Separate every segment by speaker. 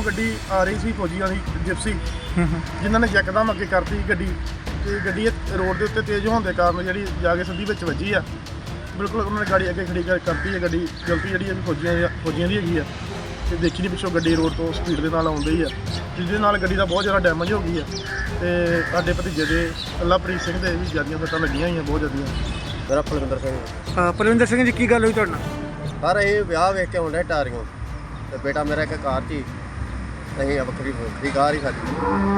Speaker 1: ਤੋਂ ਗੱਡੀ ਆ ਰਹੀ ਸੀ ਫੌਜੀਆਂ ਦੀ ਜਿਪਸੀ, ਜਿਨ੍ਹਾਂ ਨੇ ਯਕਦਮ ਅੱਗੇ ਕਰਤੀ ਗੱਡੀ ਤੇ ਗੱਡੀ ਰੋਡ ਦੇ ਉੱਤੇ ਤੇਜ਼ ਹੋਣ ਦੇ ਕਾਰਨ ਜਿਹੜੀ ਜਾ ਕੇ ਸਿੱਧੀ ਵਿੱਚ ਵੱਜੀ ਆ। ਬਿਲਕੁਲ ਉਹਨਾਂ ਨੇ ਗਾੜੀ ਅੱਗੇ ਖੜੀ ਕਰਤੀ ਹੈ। ਗੱਡੀ ਗਲਤੀ ਜਿਹੜੀ ਹੈ ਫੌਜੀਆਂ ਦੀ ਹੈਗੀ ਆ ਤੇ ਦੇਖੀ ਨਹੀਂ ਪਿੱਛੋਂ ਗੱਡੀ ਰੋਡ ਤੋਂ ਸਪੀਡ ਦੇ ਨਾਲ ਆਉਂਦੀ ਆ, ਜਿਹਦੇ ਨਾਲ ਗੱਡੀ ਦਾ ਬਹੁਤ ਜ਼ਿਆਦਾ ਡੈਮੇਜ ਹੋ ਗਈ ਆ ਤੇ ਸਾਡੇ ਭਤੀਜੇ ਦੇ ਅੱਲਾਪ੍ਰੀਤ ਸਿੰਘ ਦੇ ਵੀ ਜ਼ਿਆਦੀਆਂ ਸੱਟਾਂ ਲੱਗੀਆਂ ਹੋਈਆਂ, ਬਹੁਤ ਜ਼ਿਆਦੀਆਂ।
Speaker 2: ਮੇਰਾ ਪਲਵਿੰਦਰ ਸਿੰਘ।
Speaker 3: ਪਲਵਿੰਦਰ ਸਿੰਘ ਜੀ, ਕੀ ਗੱਲ ਹੋਈ ਤੁਹਾਡੇ ਨਾਲ?
Speaker 2: ਸਰ ਇਹ ਵਿਆਹ ਵੇਖ ਕੇ ਆਉਂਦੇ ਟਾਰੀਆਂ ਤੇ ਬੇਟਾ ਮੇਰਾ ਇੱਕ ਕਾਰ 'ਚ ਹੀ, ਅਸੀਂ ਵੱਖਰੀ ਕਾਰ ਹੀ ਸਾਡੀ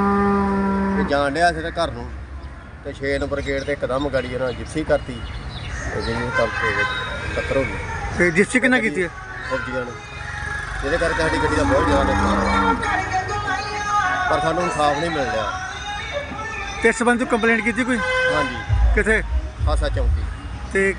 Speaker 2: ਤੇ ਜਾਣ ਡਿਆ ਸੀ ਤੇ ਘਰ ਨੂੰ ਤੇ 6 ਨੰਬਰ ਗੇਟ ਤੇ ਇੱਕਦਮ ਗਾੜੀ ਉਹਨਾਂ ਜਿਪਸੀ ਕਰਤੀ ਤੇ ਜਿਹਨੂੰ ਟੱਕਰ ਹੋ ਗਈ।
Speaker 3: ਤੇ ਜਿਪਸੀ ਕਿੰਨਾ ਕੀਤੀ ਹੈ?
Speaker 2: ਫੌਜੀਆਂ ਨੇ, ਜਿਹਦੇ ਕਰਕੇ ਸਾਡੀ ਗੱਡੀ ਦਾ ਬਹੁਤ ਜ਼ਿਆਦਾ ਨੁਕਸਾਨ ਹੋਇਆ, ਪਰ ਸਾਨੂੰ ਇਨਸਾਫ ਨਹੀਂ ਮਿਲ ਰਿਹਾ।
Speaker 3: ਤੇ ਇਸ ਸੰਬੰਧ ਵਿੱਚ ਕੰਪਲੇਂਟ ਕੀਤੀ ਕੋਈ?
Speaker 2: ਹਾਂਜੀ,
Speaker 3: ਕਿੱਥੇ?
Speaker 2: ਖਾਸਾ ਚੌਂਕੀ।
Speaker 3: ਤੇ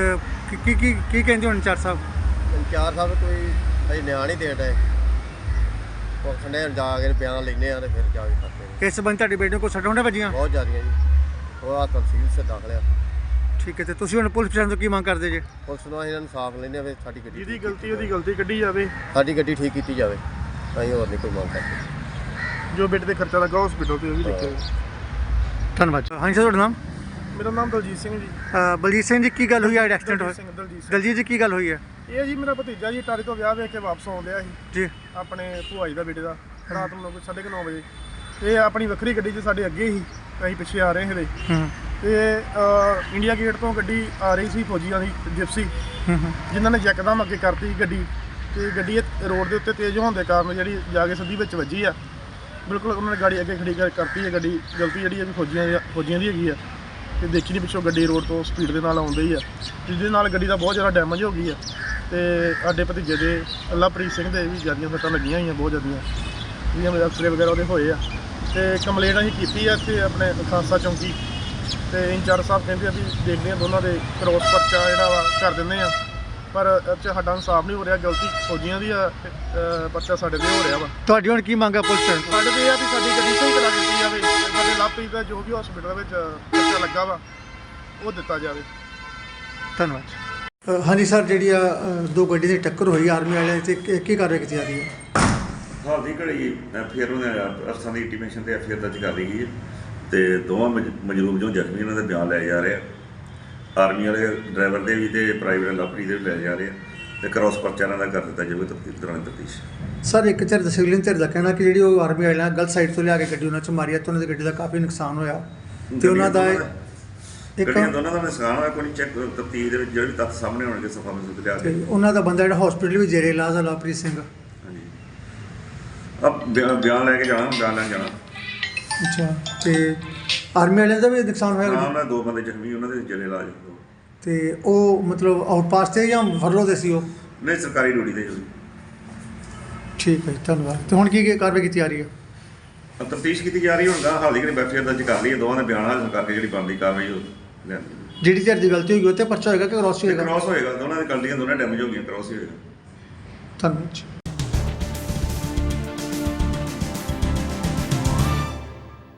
Speaker 3: ਕੀ ਕਹਿੰਦੇ ਹੁਣ ਇੰਚਾਰਜ ਸਾਹਿਬ?
Speaker 2: ਇੰਚਾਰਜ ਸਾਹਿਬ ਕੋਈ ਅਜੇ ਨਿਆਂ ਨਹੀਂ ਦੇਣ ਡਏ, ਪੁਲਿਸ ਨੇ ਜਾ ਕੇ ਬਿਆਨ ਲੈਂਦੇ ਆ ਤੇ ਫਿਰ ਜਾ ਕੇ ਕਰਦੇ।
Speaker 3: ਇਸ ਸੰਬੰਧ ਤੁਹਾਡੇ ਬੇਟੇ ਨੂੰ ਕੋਈ ਸੱਟਾਂ ਹੁੰਦੀਆਂ ਵੱਜੀਆਂ?
Speaker 2: ਬਹੁਤ ਜ਼ਿਆਦੀਆਂ ਜੀ, ਉਹ ਆ ਤਹਿਸੀਲ ਸੇ ਦਾਖਲ ਆ।
Speaker 3: ਠੀਕ ਹੈ, ਤੇ ਤੁਸੀਂ ਹੁਣ ਪੁਲਿਸ ਪ੍ਰਸ਼ਾਸਨ ਤੋਂ ਕੀ ਮੰਗ ਕਰਦੇ ਜੇ?
Speaker 2: ਪੁਲਿਸ ਨੂੰ ਅਸੀਂ ਇਨਸਾਫ ਲੈਂਦੇ ਆ, ਸਾਡੀ ਗੱਡੀ
Speaker 1: ਜਿਹਦੀ ਗਲਤੀ ਉਹਦੀ ਗਲਤੀ ਕੱਢੀ ਜਾਵੇ,
Speaker 2: ਸਾਡੀ ਗੱਡੀ ਠੀਕ ਕੀਤੀ ਜਾਵੇ, ਅਸੀਂ ਹੋਰ ਨਹੀਂ ਕੋਈ ਮੰਗ ਕਰਦੇ।
Speaker 1: ਜੋ ਬੇਟੇ ਤੇ ਖਰਚਾ ਲੱਗਾ ਹਸਪੀਟਲ ਤੇ ਉਹ ਵੀ ਦੇਖਿਆ।
Speaker 3: ਧੰਨਵਾਦ। ਹਾਂਜੀ ਸਰ, ਤੁਹਾਡਾ ਨਾਮ?
Speaker 1: ਮੇਰਾ ਨਾਮ ਦਲਜੀਤ ਸਿੰਘ ਜੀ।
Speaker 3: ਬਲਜੀਤ ਸਿੰਘ ਜੀ, ਕੀ ਗੱਲ ਹੋਈ? ਐਕਸੀਡੈਂਟ ਹੋਇਆ?
Speaker 1: ਦਲਜੀਤ ਸਿੰਘ।
Speaker 3: ਦਲਜੀਤ ਜੀ, ਕੀ ਗੱਲ ਹੋਈ ਹੈ?
Speaker 1: ਇਹ ਜੀ ਮੇਰਾ ਭਤੀਜਾ ਜੀ ਟਾਰੀ ਤੋਂ ਵਿਆਹ ਵੇਖ ਕੇ ਵਾਪਸ ਆਉਂਦਿਆ ਸੀ
Speaker 3: ਜੀ,
Speaker 1: ਆਪਣੇ ਭੂਆ ਜੀ ਦਾ ਬੇਟੇ ਦਾ, ਰਾਤ ਨੂੰ 9:30 ਵਜੇ। ਇਹ ਆਪਣੀ ਵੱਖਰੀ ਗੱਡੀ 'ਚ ਸਾਡੇ ਅੱਗੇ ਸੀ, ਅਸੀਂ ਪਿੱਛੇ ਆ ਰਹੇ ਸੀਗੇ ਤੇ ਇੰਡੀਆ ਗੇਟ ਤੋਂ ਗੱਡੀ ਆ ਰਹੀ ਸੀ ਫੌਜੀਆਂ ਦੀ ਜਿਪਸੀ, ਜਿਨ੍ਹਾਂ ਨੇ ਯਕਦਮ ਅੱਗੇ ਕਰਤੀ ਗੱਡੀ ਤੇ ਗੱਡੀ ਰੋਡ ਦੇ ਉੱਤੇ ਤੇਜ਼ ਹੋਣ ਦੇ ਕਾਰਨ ਜਿਹੜੀ ਜਾ ਕੇ ਸਿੱਧੀ ਵਿੱਚ ਵੱਜੀ ਆ। ਬਿਲਕੁਲ ਉਹਨਾਂ ਨੇ ਗਾੜੀ ਅੱਗੇ ਖੜੀ ਕਰਤੀ ਹੈ। ਗੱਡੀ ਗਲਤੀ ਜਿਹੜੀ ਹੈ ਫੌਜੀਆਂ ਦੀ ਹੈਗੀ ਆ ਤੇ ਦੇਖੀ ਨਹੀਂ ਪਿੱਛੋਂ ਗੱਡੀ ਰੋਡ ਤੋਂ ਸਪੀਡ ਦੇ ਨਾਲ ਆਉਂਦੀ ਆ, ਜਿਹਦੇ ਨਾਲ ਗੱਡੀ ਦਾ ਬਹੁਤ ਜ਼ਿਆਦਾ ਡੈਮੇਜ ਹੋ ਗਈ ਆ ਤੇ ਸਾਡੇ ਭਤੀਜੇ ਦੇ ਅੱਲਾਪ੍ਰੀਤ ਸਿੰਘ ਦੇ ਵੀ ਜ਼ਿਆਦੀਆਂ ਸੱਟਾਂ ਲੱਗੀਆਂ ਹੋਈਆਂ, ਬਹੁਤ ਜ਼ਿਆਦੀਆਂ, ਜਿਹੜੀਆਂ ਮੇਰੇ ਅਫਸਰੇ ਵਗੈਰਾ ਉਹਦੇ ਹੋਏ ਆ। ਤੇ ਕੰਪਲੇਂਟ ਅਸੀਂ ਕੀਤੀ ਆ ਇੱਥੇ ਆਪਣੇ ਖਾਸਾ ਚੌਂਕੀ ਤੇ ਇੰਚਾਰਜ ਸਾਹਿਬ ਕਹਿੰਦੇ ਆ ਵੀ ਦੇਖਦੇ ਆ ਦੋਨਾਂ ਦੇ ਕ੍ਰੋਸ ਪਰਚਾ ਜਿਹੜਾ ਵਾ ਕਰ ਦਿੰਦੇ ਆ, ਪਰ ਇਹ 'ਚ ਸਾਡਾ ਇਨਸਾਫ ਨਹੀਂ ਹੋ ਰਿਹਾ। ਗਲਤੀ ਫੌਜੀਆਂ ਦੀ ਆ, ਪਰਚਾ ਸਾਡੇ 'ਤੇ ਹੋ ਰਿਹਾ ਵਾ।
Speaker 3: ਤੁਹਾਡੀ ਹੁਣ ਕੀ ਮੰਗ ਹੈ ਪੁਲਿਸ ਪ੍ਰਸ਼ਾਸਨ?
Speaker 1: ਸਾਡੇ 'ਤੇ ਇਹ ਆ ਵੀ ਸਾਡੀ ਗੱਡੀ ਸਹੀ ਕਰਾ ਦਿੱਤੀ ਜਾਵੇ, ਸਾਡੇ ਲਾਪਰੀ ਦਾ ਜੋ ਵੀ ਹਸਪੀਟਲ ਵਿੱਚ ਖਰਚਾ ਲੱਗਾ ਵਾ ਉਹ ਦਿੱਤਾ ਜਾਵੇ।
Speaker 3: ਧੰਨਵਾਦ। ਹਾਂਜੀ ਸਰ, ਜਿਹੜੀ ਆ ਦੋ ਗੱਡੀ ਦੀ ਟੱਕਰ ਹੋਈ ਆਰਮੀ ਵਾਲਿਆਂ ਤੇ ਕੀ ਕਾਰਵਾਈ ਕੀਤੀ ਜਾ ਰਹੀ ਹੈ?
Speaker 4: ਹਾਲ ਦੀ ਘੜੀ ਫਿਰ ਉਹਨੇ ਅਫਸਰਾਂ ਦੀ ਇੰਟੀਮੇਸ਼ਨ ਤੇ ਫਿਰ ਦਰਜ ਕਰ ਲਈ ਗਈ ਹੈ ਤੇ ਦੋਵਾਂ ਮਜਰੂਮ ਜੋ ਜ਼ਖਮੀ ਉਹਨਾਂ ਦੇ ਬਿਆਨ ਲਏ ਜਾ ਰਹੇ ਆ। ਆਰਮੀ ਵਾਲੇ ਡਰਾਈਵਰ ਦੇ ਵੀ ਤੇ ਪ੍ਰਾਈਵੇਟ ਲਾਪਰੀ ਦੇ ਵੀ ਲੈ ਜਾ ਰਹੇ ਆ ਤੇ ਕ੍ਰੋਸ ਪਰਚਾ ਇਹਨਾਂ ਦਾ ਕਰ ਦਿੱਤਾ ਜਾਵੇ ਦੌਰਾਨ ਤਫਤੀਸ਼।
Speaker 3: ਸਰ, ਇੱਕ ਧਿਰ ਸਿਵਲਿਅਨ ਧਿਰ ਦਾ ਕਹਿਣਾ ਕਿ ਜਿਹੜੀ ਉਹ ਆਰਮੀ ਵਾਲਿਆਂ ਗਲਤ ਸਾਈਡ ਤੋਂ ਲਿਆ ਕੇ ਗੱਡੀ ਉਹਨਾਂ 'ਚ ਮਾਰੀ ਆ ਤੇ ਉਹਨਾਂ ਦੀ ਗੱਡੀ ਦਾ ਕਾਫੀ ਨੁਕਸਾਨ ਹੋਇਆ ਤੇ ਉਹਨਾਂ ਦਾ
Speaker 4: ਗੱਡੀਆਂ ਦੋਨਾਂ ਦਾ ਨੁਕਸਾਨ ਹੋਇਆ। ਕੋਈ ਚੈੱਕ ਤਫਤੀਸ਼ ਦੇ ਵਿੱਚ ਜਿਹੜੇ ਵੀ ਤੱਥ ਸਾਹਮਣੇ ਆਉਣਗੇ ਸਫਾ ਮਸੂਦ ਲਿਆ ਕੇ
Speaker 3: ਉਹਨਾਂ ਦਾ ਬੰਦਾ ਜਿਹੜਾ ਹਸਪੀਟਲ ਵੀ ਜੇਰੇ ਇਲਾਜ ਆ, ਲਵਪ੍ਰੀਤ ਸਿੰਘ।
Speaker 4: ਹਾਂਜੀ, ਬਿਆਨ ਲੈ ਕੇ ਜਾਣਾ, ਬਿਆਨ ਲੈਣ ਜਾਣਾ।
Speaker 3: ਅੱਛਾ, ਤੇ ਆਰਮੀ ਵਾਲਿਆਂ ਦਾ ਵੀ ਨੁਕਸਾਨ ਹੋਇਆ?
Speaker 4: ਉਹਨਾਂ ਦੋ ਬੰਦੇ ਜ਼ਖਮੀ, ਉਹਨਾਂ ਦੇ ਜੇਰੇ ਇਲਾਜ।
Speaker 3: ਤੇ ਉਹ ਮਤਲਬ ਆਊਟਪਾਸ ਤੇ ਜਾਂ ਫਰਲੋ ਤੇ ਸੀ ਉਹ?
Speaker 4: ਨਹੀਂ, ਸਰਕਾਰੀ ਡਿਊਟੀ ਤੇ ਜੀ।
Speaker 3: ਠੀਕ ਹੈ, ਧੰਨਵਾਦ। ਤੇ ਹੁਣ ਕੀ ਕਾਰਵਾਈ ਕੀਤੀ ਜਾ ਰਹੀ ਹੈ?
Speaker 4: ਤਫਤੀਸ਼ ਕੀਤੀ ਜਾ ਰਹੀ। ਹੁਣ ਹਾਲ ਦੀ ਘੜੀ ਐਫਆਈਆਰ ਦਰਜ ਕਰ ਲਈ ਹੈ, ਦੋਵਾਂ ਦੇ ਬਿਆਨ ਹਾਜ਼ਰ ਕਰਕੇ ਜਿਹੜੀ ਬਣਦੀ ਕਾਰਵਾਈ ਉਹ ਲੈਂਦੀ।
Speaker 3: ਜਿਹੜੀ ਧਿਰ ਦੀ ਗਲਤੀ ਹੋਈ ਉਹ ਤੇ ਪਰਚਾ ਹੋਏਗਾ ਕਿ ਕ੍ਰਾਸ ਹੋਏਗਾ?
Speaker 4: ਕ੍ਰਾਸ ਹੋਏਗਾ, ਦੋਨਾਂ ਦੀ ਗਲਤੀਆਂ ਦੋਨਾਂ ਡੈਮੇਜ ਹੋ ਗਈਆਂ, ਕ੍ਰਾਸ ਹੀ ਹੋਏਗਾ।
Speaker 3: ਧੰਨਵਾਦ।